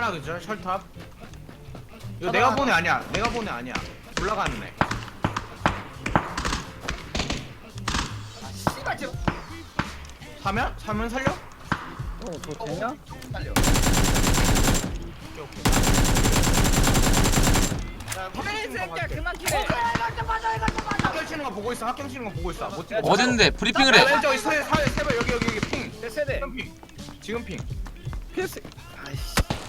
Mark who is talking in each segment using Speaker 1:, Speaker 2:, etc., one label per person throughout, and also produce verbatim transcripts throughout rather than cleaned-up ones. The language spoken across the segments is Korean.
Speaker 1: 하나 그죠? 셜탑. 이거
Speaker 2: 하나,
Speaker 1: 내가
Speaker 2: 하나.
Speaker 1: 보내 아니야. 내가 보내 아니야. 올라가는 애.
Speaker 2: 아 씨발 지금
Speaker 1: 사면? 사면 살려?
Speaker 3: 어, 그거 되냐?
Speaker 2: 달려.
Speaker 1: 오케이 오케이.
Speaker 3: 개새끼야 그만 키래.
Speaker 1: 학경 치는 거 보고 있어. 학경 치는 거 보고 있어. 못 찍어.
Speaker 4: 어딨는데 브리핑을
Speaker 1: 아,
Speaker 4: 해.
Speaker 1: 왼쪽 세 세 세발 여기 여기 여기 핑.
Speaker 3: 내 세대.
Speaker 1: 지금 핑. 지금 핑.
Speaker 3: 개새. 아이씨.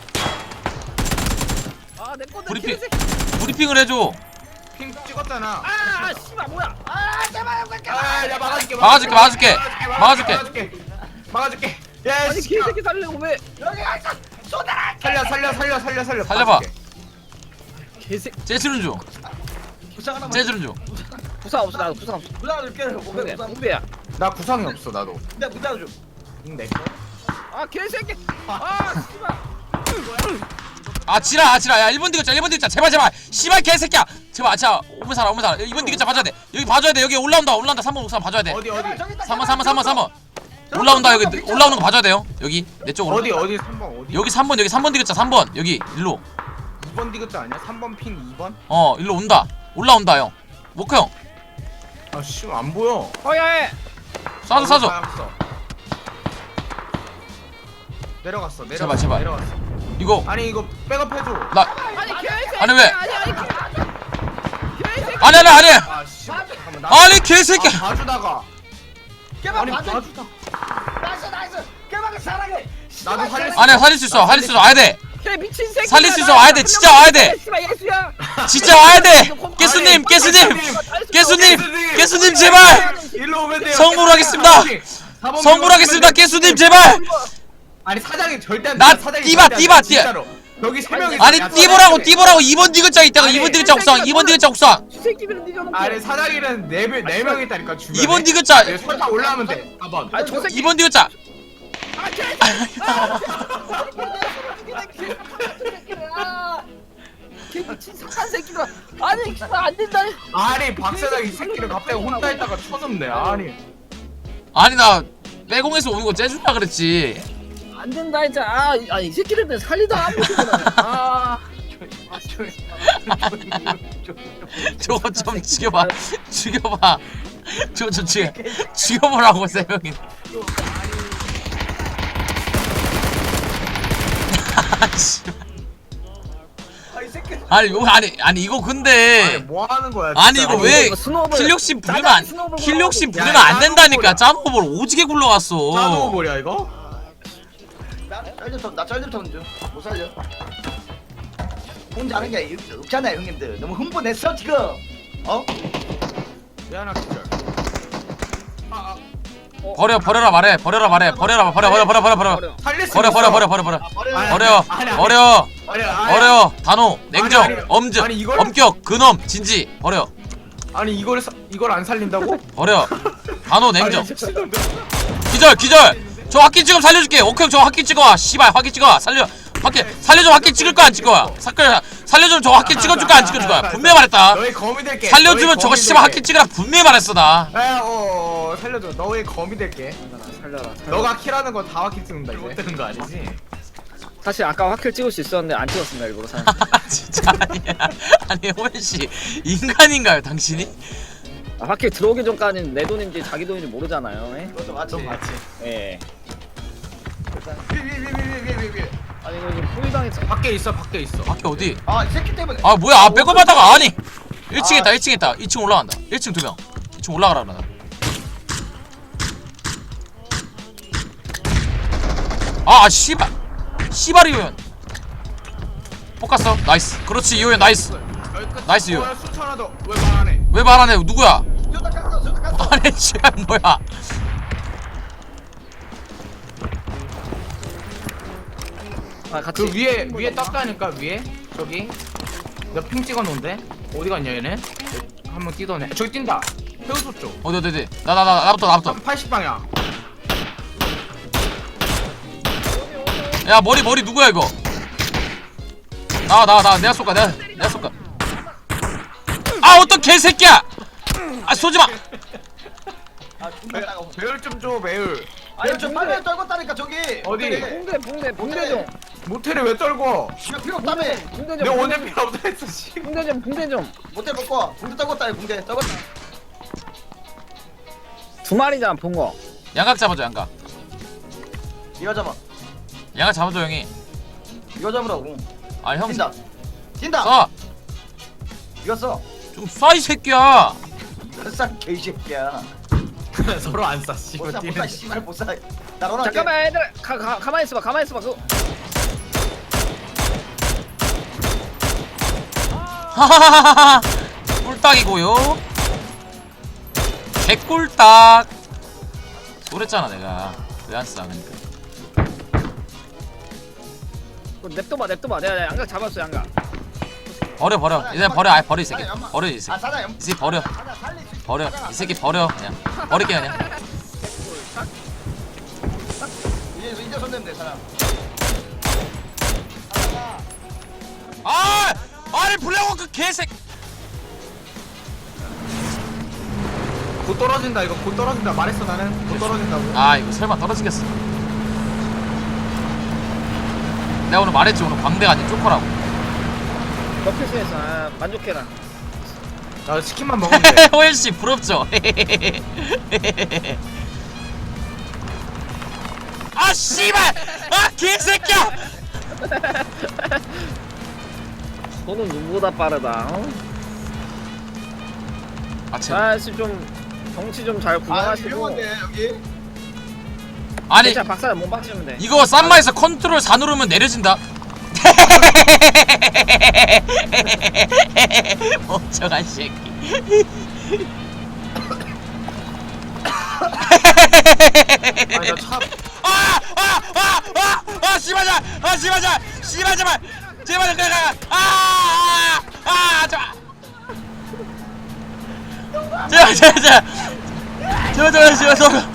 Speaker 3: 아내 건데
Speaker 4: 브리핑.
Speaker 3: 개새끼.
Speaker 4: 브리핑을 해줘.
Speaker 1: 핑 찍었잖아.
Speaker 3: 아 씨발 뭐야? 아 제발 여기
Speaker 1: 아, 야 막아줄게.
Speaker 4: 막아줄게, 막아줄게. 막아줄게.
Speaker 1: 막아줄게. 막아줄게. 야,
Speaker 3: 아니
Speaker 1: 씨.
Speaker 3: 개새끼 살려고 왜?
Speaker 2: 여기 가서 쏟아라.
Speaker 1: 살려 살려 살려 살려 살려.
Speaker 4: 살려봐.
Speaker 1: 막아줄게.
Speaker 3: 개새끼.
Speaker 4: 재즈는 중.
Speaker 2: 부상 하나.
Speaker 4: 재즈는 중.
Speaker 3: 부상 없어 나도 부상 없어.
Speaker 2: 부상 줄게.
Speaker 3: 그래
Speaker 2: 오케이. 부상.
Speaker 3: 공배야.
Speaker 1: 나 구상이 없어 나도.
Speaker 2: 내가 부상 줘.
Speaker 1: 응, 내 거.
Speaker 3: 아 개새끼. 아 씨발.
Speaker 4: 아 지라 아 지라 야 일 번 디귿자 일 번 디귿자 제발 제발 씨발 개새끼야 제발 자 오면 살아 오면 살아 이 번 디귿자 봐줘야 돼 여기 봐줘야 돼 여기 올라온다 올라온다 삼 번 옥상 봐줘야 돼
Speaker 1: 어디 어디?
Speaker 4: 삼 번 삼 번 삼 번 삼 번 올라온다 여기 올라오는 거 봐줘야 돼요 여기 내 쪽으로
Speaker 1: 어디 어디 삼 번 어디?
Speaker 4: 여기 삼 번 여기 삼 번 디귿자 삼 번 여기 일로
Speaker 1: 이 번 디귿자 아니야? 삼 번 핑 이 번?
Speaker 4: 어 일로 온다 올라온다 형 모크 형
Speaker 1: 아 씨 안 보여.
Speaker 3: 어야해.
Speaker 4: 쏴줘 쏴줘
Speaker 1: 쏴줘. 내려갔어. 내려갔어.
Speaker 4: 제발, 제발.
Speaker 1: 내려갔어.
Speaker 4: 이거
Speaker 1: 아니 이거 백업해줘.
Speaker 4: 나
Speaker 3: 아니 개새끼.
Speaker 4: 아니, 왜?
Speaker 3: 아니 아니 개새끼.
Speaker 4: 아니 아니 아니
Speaker 1: 아 씨. 잠깐만. 나
Speaker 4: 아니 개새끼야
Speaker 1: 아, 봐주다가.
Speaker 2: 깨방
Speaker 1: 아니
Speaker 2: 봐줘.
Speaker 1: 봐주다.
Speaker 2: 나이스 나이스. 깨방을 사랑해.
Speaker 1: 나도 살릴 수
Speaker 4: 아니야 살릴 수 있어 살릴 수 있어 와야 돼
Speaker 3: 개 미친 새끼.
Speaker 4: 살릴 수 있어 와야 돼 진짜 와야 돼
Speaker 3: 씨발 예수야.
Speaker 4: 진짜 와야 돼 깨수님 깨수님 깨수님 깨수님 제발
Speaker 1: 일로 오면 돼요.
Speaker 4: 성불하겠습니다.
Speaker 1: 사번
Speaker 4: 성불하겠습니다 깨수님 제발
Speaker 1: 아니 사장이 절대 안
Speaker 4: 나
Speaker 1: 돼. 사장이
Speaker 4: 띠바,
Speaker 1: 절대 안 돼,
Speaker 4: 띠바,
Speaker 1: 진짜로. 여기 세 명이
Speaker 4: 아니
Speaker 1: 있어. 야,
Speaker 4: 띠보라고
Speaker 1: 사장이-
Speaker 4: 띠보라고 이 번 디귿자 있다가
Speaker 1: 아니,
Speaker 4: 이 번 디귿자 옥상 이 번 디귿자 옥상
Speaker 3: 이 새끼들은 니가 너무.
Speaker 1: 아니 사장이는 네명네 명 있다니까 주변에.
Speaker 4: 이 번 디귿자
Speaker 1: 여기 설탕 올라오면 돼. 사 번.
Speaker 3: 아저 새끼.
Speaker 4: 이 번 디귿자
Speaker 3: 아 개새끼. 개 미친 착한 새끼가. 아니 씨발 안 된다.
Speaker 1: 아니 박 사장 이 새끼를 갑자기 혼자 있다가 쳐졌네. 아니.
Speaker 4: 아니 나 빼공에서 오는 거 째줄라 그랬지
Speaker 3: 안 된다 진짜. 아, 이- 아니 이 새끼들 살리다가 안 보시구나. 아.
Speaker 1: 아, 저-
Speaker 4: 저거 좀 죽여봐 죽여봐 저거 좀 죽여 죽여보라고 세 명이
Speaker 2: 아이 새끼.
Speaker 4: 아니 이거 아니 아니 이거
Speaker 1: 아니
Speaker 4: 근데
Speaker 1: 뭐 하는 거야?
Speaker 4: 아니
Speaker 1: 진짜.
Speaker 4: 이거 왜
Speaker 3: 이거 스노우볼.
Speaker 4: 킬욕심 부리면
Speaker 3: 나가는
Speaker 4: 안
Speaker 3: 스노우볼
Speaker 4: 킬욕심
Speaker 3: 보라고.
Speaker 4: 부리면
Speaker 1: 야,
Speaker 4: 안 된다니까
Speaker 1: 짜노볼.
Speaker 4: 짜노볼 오지게 굴러갔어
Speaker 1: 짜노볼이야 이거?
Speaker 2: 나 짤좀 나 짤좀 타는 중. 못 살려. 혼자 하는 게 없잖아요 형님들. 너무 흥분했어 지금. 어?
Speaker 1: 미안하 기절. 아, 아
Speaker 4: 버려 버려라 말해 버려라 말해 버려라 버려 버려 버려 버려 버려
Speaker 1: 살릴 수
Speaker 4: 버려
Speaker 1: 있어.
Speaker 4: 버려 버려 버려 버려
Speaker 2: 버려.
Speaker 1: 아니,
Speaker 4: 버려
Speaker 1: 아니, 아니.
Speaker 4: 버려
Speaker 1: 아니, 아니,
Speaker 4: 버려 단호 냉정
Speaker 1: 아니, 아니.
Speaker 4: 엄즉
Speaker 1: 아니, 이걸-
Speaker 4: 엄격 근엄 진지 버려
Speaker 1: 아니 이걸 사, 이걸 안 살린다고?
Speaker 4: 버려 단호 냉정
Speaker 1: 아니, 미친놈들.
Speaker 4: 기절 기절 저 확기 지금 살려줄게 오케이 저 확기 찍어와 씨발 확기 찍어와 살려 확기 살려줘 확기 찍을 거야 안 찍을 거야 살려 살려주면 저 확기 찍어줄 거야 안 찍어줄 거야 분명히 말했다
Speaker 1: 너의 거미 될게.
Speaker 4: 살려주면
Speaker 1: 너의
Speaker 4: 저거
Speaker 1: 거미
Speaker 4: 씨발
Speaker 1: 될게.
Speaker 4: 확기 찍으라 분명히 말했어 나
Speaker 1: 에, 어, 어, 살려줘. 너의 거미 될게.
Speaker 3: 살려라.
Speaker 1: 너가 킬하는 건 다 확킬 찍는다 이제. 못 되는 거 아니지?
Speaker 3: 사실 아까 확킬 찍을 수 있었는데 안 찍었습니다 일부러 사람.
Speaker 4: 진짜 아니야 아니 호연씨 인간인가요 당신이?
Speaker 3: 아, 확킬 들어오기 전까지는 내 돈인지 자기 돈인지 모르잖아요. 예?
Speaker 2: 그것도 맞지.
Speaker 1: 좀 맞지.
Speaker 3: 예.
Speaker 1: 위위위위위위위.
Speaker 3: 아니 이거 지금 포위당했어.
Speaker 1: 밖에 있어 밖에 있어.
Speaker 4: 밖에 어디?
Speaker 2: 아이 새끼 때문에.
Speaker 4: 아 뭐야 아 백업하다가 아니 일 층에 있다 일 층에 있다 이 층 올라간다 일 층 두명 이 층 올라가라 나 아 씨발 씨발 이호연 포커스 나이스 그렇지 이호연 나이스 나이스, 이거.
Speaker 1: 어, 수천 하나 더왜 말 안 해?
Speaker 4: 왜 말 안 해 누구야
Speaker 2: 저다 깠어 저다 깠어.
Speaker 4: 아니 씨발 뭐야
Speaker 3: 아 같이.
Speaker 1: 그 위에 위에 떴다니까 위에 저기 내가 핑 찍어놓은데 어디 갔냐 얘네? 한번 뛰더네. 저기 뛴다. 해우소 쪽.
Speaker 4: 어디 어디 어디 나 나 나 나부터 나부터
Speaker 1: 팔십 방향.
Speaker 4: 야 머리 머리 누구야 이거 나와 나와 나와 내가 쏠까 내가 내가 쏠까 아 어떤 개새끼야 아 쏘지마
Speaker 2: 아 존나 따가워.
Speaker 1: 배율 좀 줘 배율.
Speaker 2: 아니 저 화면 떨궜다니까 저기.
Speaker 1: 어디?
Speaker 2: 호텔에.
Speaker 3: 봉대 봉대 봉대 좀.
Speaker 1: 모텔에 왜 떨고?
Speaker 2: 필요 필요 없다며.
Speaker 3: 붕대
Speaker 1: 내
Speaker 3: 좀
Speaker 1: 원에
Speaker 3: 붕대
Speaker 1: 필요 없다 했어 씨.
Speaker 3: 붕대 좀 붕대 좀.
Speaker 2: 모텔 먹고 붕대 떠봤다 붕대 떠봤다.
Speaker 3: 두 마리잖아 본 거.
Speaker 4: 양각 잡아줘 양각.
Speaker 2: 이거 잡아.
Speaker 4: 양각 잡아줘 형이.
Speaker 2: 이거 잡으라고.
Speaker 4: 아형
Speaker 2: 뛴다. 뛴다.
Speaker 4: 쏴.
Speaker 2: 이거 써.
Speaker 4: 좀 쏴 이 새끼야.
Speaker 2: 이거 싼 개새끼야.
Speaker 1: 서로 안 쏴. 씨.
Speaker 2: 못사 못사 씨발 못사. 나로나.
Speaker 3: 잠깐만 얘들 가, 가 가만히 있어봐 가만히 있어봐 그.
Speaker 4: 하하하하. 꿀딱이고요. 개꿀딱. 그랬잖아 내가. 왜 안 쏴? 그러니까.
Speaker 3: 그 냅둬봐 냅둬봐 내가 내가 양각 잡았어 양각.
Speaker 4: 버려 버려. 이제 버려. 아 버려 이 새끼. 버려 이
Speaker 2: 아
Speaker 4: 새끼.
Speaker 2: 사장 연.
Speaker 4: 이 새끼 버려.
Speaker 2: 사장 살리.
Speaker 4: 버려. 이 새끼 버려. 그냥 버릴게 그냥.
Speaker 2: 이제 이제 손 내면 돼 사장.
Speaker 4: 아! 아니 블랙워크 개새.
Speaker 1: 곧 떨어진다 이거 곧 떨어진다 말했어 나는 곧 떨어진다고.
Speaker 4: 아 이거 설마 떨어지겠어. 내가 오늘 말했지 오늘 광대가 아닌 쪼커라고.
Speaker 3: 너필수했어 아, 만족해라.
Speaker 1: 나 치킨만 먹으면 돼.
Speaker 4: 호연씨 부럽죠? 아 씨발! 아 개새끼야!
Speaker 3: 너는 눈보다 빠르다. 어?
Speaker 4: 아 쟤.
Speaker 3: 아씨 좀 정치 좀 잘
Speaker 2: 아
Speaker 3: 구경하시고.
Speaker 2: 위험한데 여기.
Speaker 4: 아니
Speaker 3: 진짜 박사를 못 박치면 돼.
Speaker 4: 이거 쌈마에서 컨트롤 사 누르면 내려진다. 멍청한 새끼.
Speaker 1: 아니 나차
Speaker 4: 아! 아! 아! 아! 아! 씨발자! 아 씨발자! 씨발 제발! 제발 그래! 아! 아! 아! 제발! 제발 제발 제발! 제발 제발 제발 제발!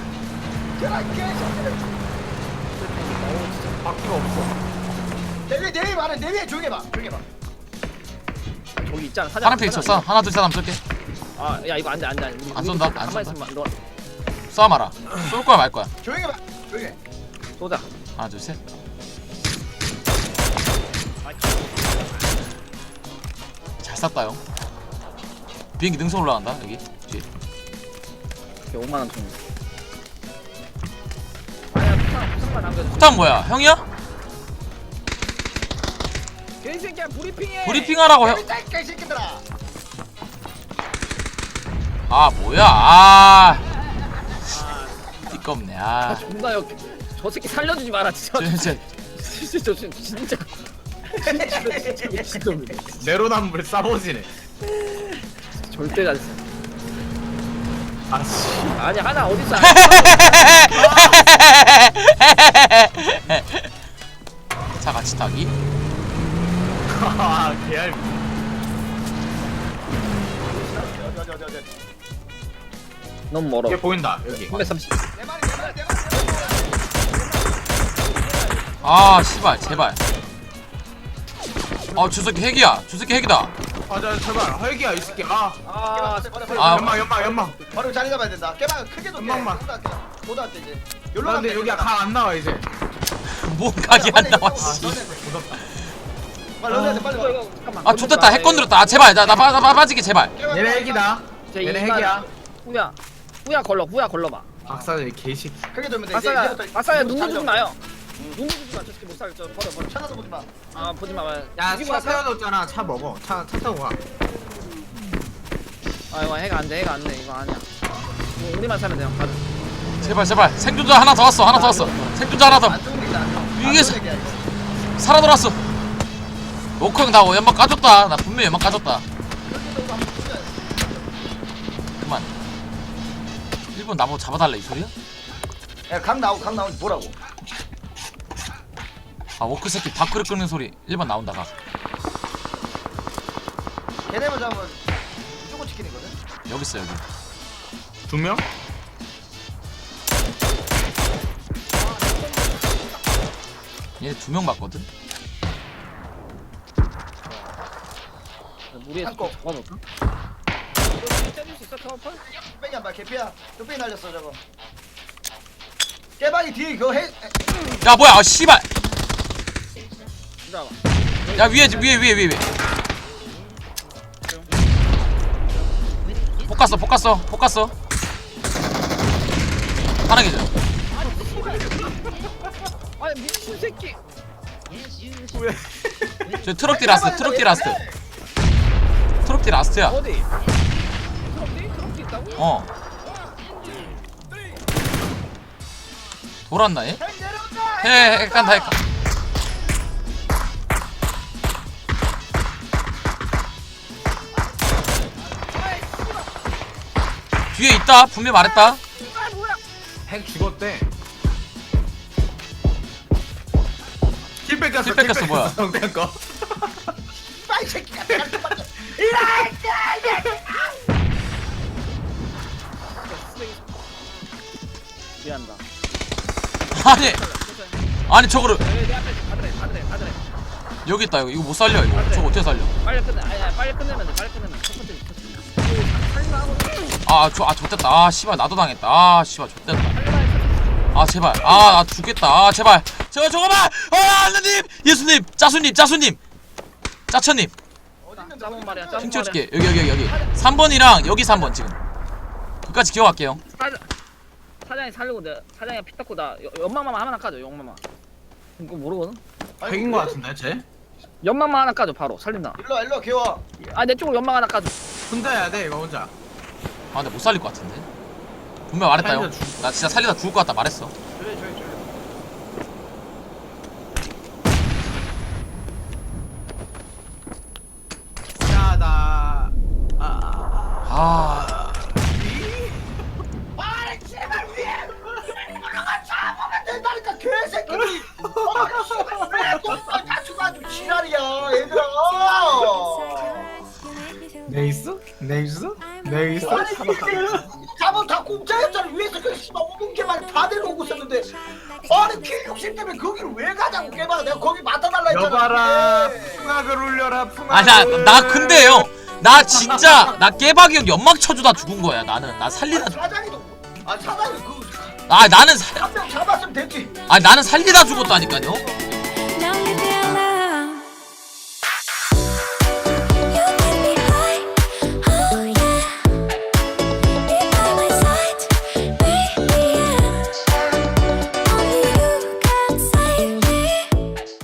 Speaker 1: 바퀴가 없어.
Speaker 2: 내위 내위 말해 내위에 조용히 해봐 조용히 해봐.
Speaker 3: 저기 있잖아 사장.
Speaker 4: 파란색 있어 쏴 하나 둘 셋 하면 쏠게.
Speaker 3: 아야 이거 안돼 안돼. 우리
Speaker 4: 안
Speaker 3: 우리
Speaker 4: 쏜다, 안
Speaker 3: 가만히
Speaker 4: 쏜다.
Speaker 3: 있으면 너
Speaker 4: 쏴 마라. 쏠 거야 말 거야.
Speaker 2: 조용히 해봐 조용히 해.
Speaker 3: 쏘자.
Speaker 4: 하나 둘 셋. 잘 쐈다 형. 비행기 능선 올라간다 여기 뒤에.
Speaker 3: 오만 원 돈. 아야 부상 부상만 남겨줘.
Speaker 4: 폭탄 뭐야 형이야?
Speaker 3: 개새끼야 브리핑해.
Speaker 4: 브리핑하라고 형.
Speaker 2: 이 새끼들아.
Speaker 4: 아 뭐야 아 띠껍네 아
Speaker 3: 존나 역. 저 새끼 살려주지 마라 진짜.
Speaker 4: 진짜
Speaker 3: 진짜 저 진짜 진짜. 진짜 미친놈이네.
Speaker 1: 내로남불 싸보지네.
Speaker 3: 절대 안 써.
Speaker 1: 아씨.
Speaker 3: 아니 하나 어디 있어?
Speaker 4: 자 같이 타기.
Speaker 1: 아 개알.
Speaker 2: 어디 어디 어디 어디.
Speaker 3: 너무 멀어.
Speaker 1: 얘 보인다 여기.
Speaker 3: 삼백삼십.
Speaker 2: 내 말이 내 말이 내 말이.
Speaker 4: 아 씨발 제발. 어 저 새끼 핵이야. 저 새끼 핵이다.
Speaker 1: 아자 제발 헐기야 이 새끼. 아.
Speaker 3: 아
Speaker 4: 아,
Speaker 1: 연막 연막 연막.
Speaker 2: 바로 자리 잡아야 된다. 깨방 크게 좀.
Speaker 1: 금방만.
Speaker 2: 보다 때 이제.
Speaker 1: 나
Speaker 2: 열로
Speaker 1: 근데 여기 각안 나와 이제.
Speaker 4: 뭔 각이 안 나와
Speaker 1: 아
Speaker 4: 씨.
Speaker 1: 무섭다.
Speaker 2: 빨리 런해야 돼 빨리
Speaker 3: 이거
Speaker 2: 와.
Speaker 3: 이거 잠깐만.
Speaker 4: 아 좋됐다 핵 건드렸다. 아 제발 나나 나, 나 빠지게 제발.
Speaker 1: 얘네 핵이다.
Speaker 3: 제
Speaker 1: 얘네
Speaker 3: 이만-
Speaker 1: 핵이야.
Speaker 3: 후야. 후야 걸러 후야 걸러봐.
Speaker 1: 박사들 개식.
Speaker 2: 크게 돌면 돼.
Speaker 3: 아싸야 아싸야 눈
Speaker 2: 자리
Speaker 3: 좀
Speaker 2: 잡아.
Speaker 3: 나요. 눈 좀 나. 저 새끼 못 살죠. 버려 버려.
Speaker 2: 찾아서 보지 마.
Speaker 3: 아 보지 마.
Speaker 1: 야
Speaker 3: 이기고
Speaker 1: 차
Speaker 3: 나서-
Speaker 1: 세워뒀잖아. 차 먹어. 차 차 타고 가.
Speaker 3: 아 이거 해가 안 돼. 해가 안 돼. 이거 아니야. 이거 우리만 사면 돼요. 가자.
Speaker 4: 제발 제발 생존자 하나 더 왔어 하나 더 왔어. 생존자 하나 더.
Speaker 2: 안 좋은 얘기다.
Speaker 4: 위에서. 살아 돌았어. 오크 형나 연막 까줬다. 나 분명히 연막 까줬다. 그만. 일본 나보고 잡아달래 이 소리야?
Speaker 2: 야강 나오고 강 나오고 뭐라고?
Speaker 4: 아 워크 새끼 밖으로 끄는 소리 일 번 나온다 가.
Speaker 2: 걔네만 잡으면 무조건 치킨이거든.
Speaker 4: 여기 있어 여기.
Speaker 1: 두 명?
Speaker 4: 얘네 두 명 봤거든?
Speaker 3: 무리해서
Speaker 2: 한꺼.
Speaker 3: 잡아볼까? 너 때릴 수 있어 타워펄?
Speaker 2: 뺑이 안 봐. 개피야. 뚝배기 날렸어 저거. 깨방이 뒤에 그거 해.
Speaker 4: 야 뭐야 아 씨발
Speaker 3: 들어와.
Speaker 4: 야 위에 위에 위에 위에 위에 볶았어 볶았어 볶았어 하나 계절.
Speaker 3: 아니 미친 새끼.
Speaker 1: 왜?
Speaker 4: 저 트럭 뒤 라스트 트럭 뒤 라스트 트럭 뒤 라스트야.
Speaker 3: 어디? 트럭디? 트럭디 있다고?
Speaker 4: 어 돌았나 얘? 해 깐다 해까 뒤에 있다 분명 말했다.
Speaker 3: 아 뭐야?
Speaker 1: 핵 죽었대. 킬 뺏겼어.
Speaker 4: 킬 뺏겼어, 뭐야.
Speaker 1: 성대한 거.
Speaker 2: 이 새끼가 내가 좀 맞아.
Speaker 3: 미안다.
Speaker 4: 아니 아니 저거를
Speaker 3: 내, 내 앞에 가드래 가드래 가드래.
Speaker 4: 여기 있다 이거 이거 못 살려 이거 저거 어떻게 살려.
Speaker 3: 빨리 끝내. 아니 아니 빨리 끝내면 돼. 빨리 끝내면 첫 번째 첫 번째. 살리마 하고.
Speaker 4: 아저아 좆됐다. 아 씨발 나도 당했다. 아 씨발 좆됐다.
Speaker 3: 살리마 해.
Speaker 4: 아 제발 아 나 죽겠다. 아 제발 제발 저거만. 아 하느님 예수님 짜수님 짜수님 짜천님
Speaker 3: 짜본 말이야. 짜본
Speaker 4: 핑 찍어줄게. 여기 여기 여기 여기 삼 번이랑 여기 삼 번 지금 그까지 기억할게요.
Speaker 3: 사장 사장이 살리고 내 사장이 피 닦고 나 여- 연막만 하나 까줘. 연막만. 이거 모르거든.
Speaker 1: 핵인 거 같은데 쟤?
Speaker 3: 연막만 하나 까줘 바로 살린다.
Speaker 2: 일로 와 일로 와 개와.
Speaker 3: 아 내 쪽으로 연막 하나 까줘.
Speaker 1: 혼자 해야 돼 이거 혼자.
Speaker 4: 아 근데 못 살릴 것 같은데 분명 말했다 형.
Speaker 1: 살리다 죽-
Speaker 4: 나 진짜 살리다 죽을 것 같다 말했어.
Speaker 2: 저기 저기 저기.
Speaker 1: 야 나. 아.
Speaker 4: 아
Speaker 2: 아니 제발 위에 올라가 잡으면 된다니까 개새끼들이. 아 씨발 왜또 다쳐가지고 지랄이야 얘들아.
Speaker 1: 네이스? 네이스? 네이스?
Speaker 2: 아니 잡은 다 공짜였잖아. 위에서 그 씨발 오분 개만 다 데려오고 있었는데 아니 킬 육십 때문에 거기를 왜 가자고 개발. 내가 거기 맡아달라 했잖아.
Speaker 1: 여봐라.
Speaker 2: 그게.
Speaker 1: 풍악을 울려라. 풍악을.
Speaker 4: 아나 나 근데 형나 진짜 나 깨박이 형 연막 쳐주다 죽은 거야 나는. 나 살리다
Speaker 2: 아니, 사장이도 아 사장이 그
Speaker 4: 아 나는 살
Speaker 2: 한 명 잡았으면 됐지.
Speaker 4: 아 나는 살리다 죽었다니까요.